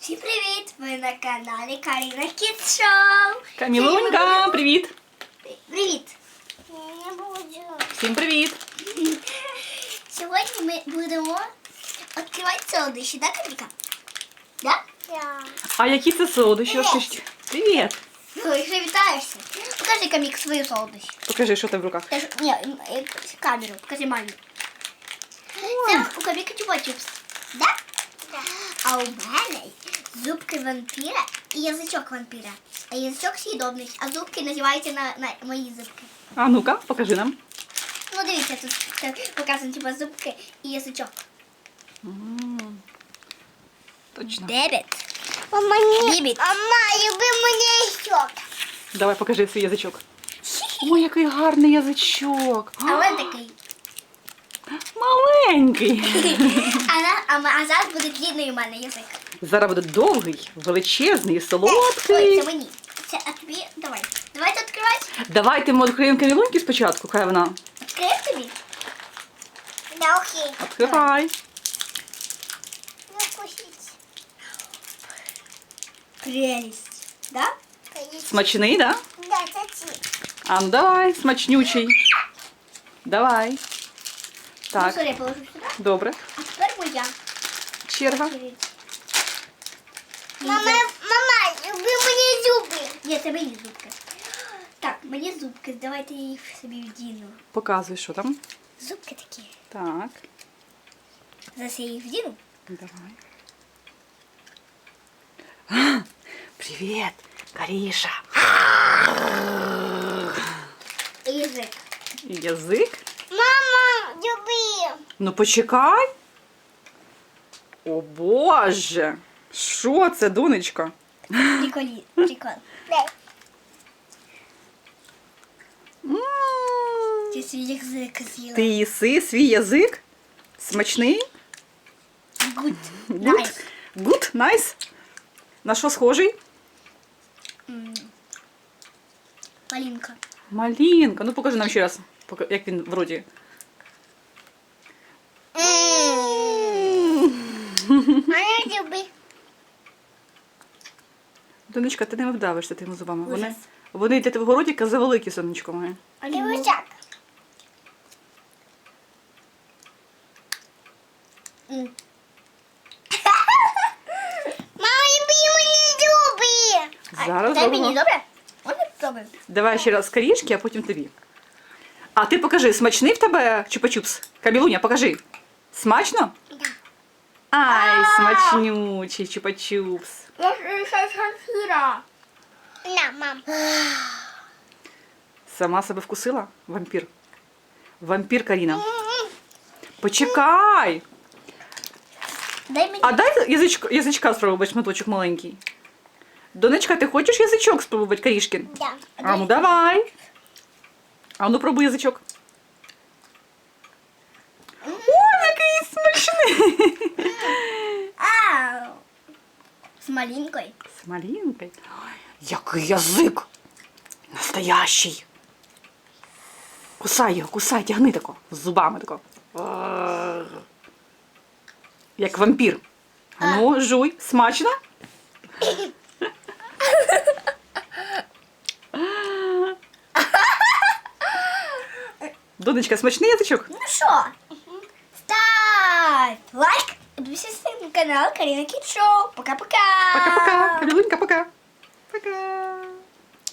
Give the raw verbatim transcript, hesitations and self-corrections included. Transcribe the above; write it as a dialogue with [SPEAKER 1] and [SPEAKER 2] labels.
[SPEAKER 1] Всім привіт! Ви на каналі Каріна Кідс Шоу.
[SPEAKER 2] Камілунька, привіт!
[SPEAKER 1] Привіт!
[SPEAKER 3] Я буду.
[SPEAKER 2] Всім привіт!
[SPEAKER 1] Сьогодні ми будемо відкривати солодощі, так, Каміка? Так?
[SPEAKER 3] Я.
[SPEAKER 2] А які це солодощі?
[SPEAKER 1] Привіт.
[SPEAKER 2] Розкажіть. Привіт!
[SPEAKER 1] Ну, якщо вітаєшся. Покажи, Камік, свою солодощі.
[SPEAKER 2] Покажи, що ти в руках.
[SPEAKER 1] Та ж- Ні, е, камеру, покажи мамі. Це у Каміка чупа-чупс. Так? А у мене зубки вампіра і язичок вампіра. А язичок съїдобний, а зубки називаються на, на мої зубки.
[SPEAKER 2] А ну-ка, покажи нам.
[SPEAKER 1] Ну, дивіться, тут це показано типа зубки і язичок.
[SPEAKER 2] М, Точно.
[SPEAKER 1] Дебет.
[SPEAKER 3] Мама, не.
[SPEAKER 1] Бібіт.
[SPEAKER 3] Мама, люби мене ще.
[SPEAKER 2] Давай покажи свій язичок. Ой, який гарний язичок.
[SPEAKER 1] А ось такий.
[SPEAKER 2] Маленький.
[SPEAKER 1] А, на, а, ма- а зараз буде длинний у мене язик.
[SPEAKER 2] Зараз буде довгий, величезний і
[SPEAKER 1] Ой,
[SPEAKER 2] солодкий.
[SPEAKER 1] це мені. Це, а тобі, давай. Давайте відкривати.
[SPEAKER 2] Давайте ми відкриємо Камілуньки спочатку, хай вона.
[SPEAKER 1] Відкриєш тобі?
[SPEAKER 3] Да, окей.
[SPEAKER 2] Відкривай.
[SPEAKER 3] Ну, кусить.
[SPEAKER 1] Прелість. Да?
[SPEAKER 2] Смачний, да?
[SPEAKER 3] Да, це ці.
[SPEAKER 2] А ну давай, смачнючий. Давай.
[SPEAKER 1] Ну,
[SPEAKER 2] Так,
[SPEAKER 1] сорі, я положу сюди.
[SPEAKER 2] добре.
[SPEAKER 1] А тепер моя.
[SPEAKER 2] Черга.
[SPEAKER 3] Мама, мама, люби мені зуби.
[SPEAKER 1] Ні, це мої зубки. Так, мені зубки, давайте я їх собі вдіну.
[SPEAKER 2] Показуй, що там.
[SPEAKER 1] Зубки такі.
[SPEAKER 2] Так,
[SPEAKER 1] Зараз я їх вдіну.
[SPEAKER 2] давай. А, привіт, Каріша.
[SPEAKER 1] І язик.
[SPEAKER 2] І язик.
[SPEAKER 3] Мама, люби.
[SPEAKER 2] Ну почекай. О Боже. Що це, донечка?
[SPEAKER 1] Приколі. Прикол.
[SPEAKER 3] Дай.
[SPEAKER 2] М,
[SPEAKER 1] Ти свій язик з'їла.
[SPEAKER 2] Ти їси свій язик? Смачний?
[SPEAKER 1] Гуд.
[SPEAKER 2] Гуд?
[SPEAKER 1] Найс.
[SPEAKER 2] Гуд? Найс? На що схожий?
[SPEAKER 1] М. Малинка.
[SPEAKER 2] Малинка. Ну покажи нам ще раз, пока- як він вроді.
[SPEAKER 3] Мама, люби.
[SPEAKER 2] Донечка, ти не вдавишся тими зубами. Вони,
[SPEAKER 1] Ужас.
[SPEAKER 2] вони для твого ротика завеликі, сонечко моє.
[SPEAKER 3] Люби так.
[SPEAKER 1] М.
[SPEAKER 3] Мама, люби мені зуби.
[SPEAKER 1] А,
[SPEAKER 2] Зараз
[SPEAKER 1] дай
[SPEAKER 2] зробимо.
[SPEAKER 1] мені, добре? Можна спробуємо?
[SPEAKER 2] Давай ще раз корішки, а потім тобі. А ти покажи, смачний в тебе чупа-чупс? Камілуня, покажи. Смачно?
[SPEAKER 3] Да.
[SPEAKER 2] Ай, смачнючий чупа-чупс.
[SPEAKER 1] Я ж шанхіра.
[SPEAKER 3] На, мам.
[SPEAKER 2] Сама себе вкусила? Вампір. Вампір, Каріна. Почекай.
[SPEAKER 1] Дай мені.
[SPEAKER 2] А дай язичко, язичка спробувати, шматочок маленький. Донечка, ти хочеш язичок спробувати, Карішкін?
[SPEAKER 3] Да.
[SPEAKER 2] А ну давай. А ну пробуй язичок. Ой, який смачний.
[SPEAKER 1] Ау. З малинкою.
[SPEAKER 2] З малинкою. Ой, який язик. Настоящий. Кусай його, кусай, тягни тако. З зубами тако. Ар. Як вампір. А ну, жуй. Смачно? Донечка, смачний язичок?
[SPEAKER 1] Ну що? Ставь лайк. Підписуйся на канал Каріна Кідс Шоу. Пока-пока.
[SPEAKER 2] Пока-пока. Камілунька, пока.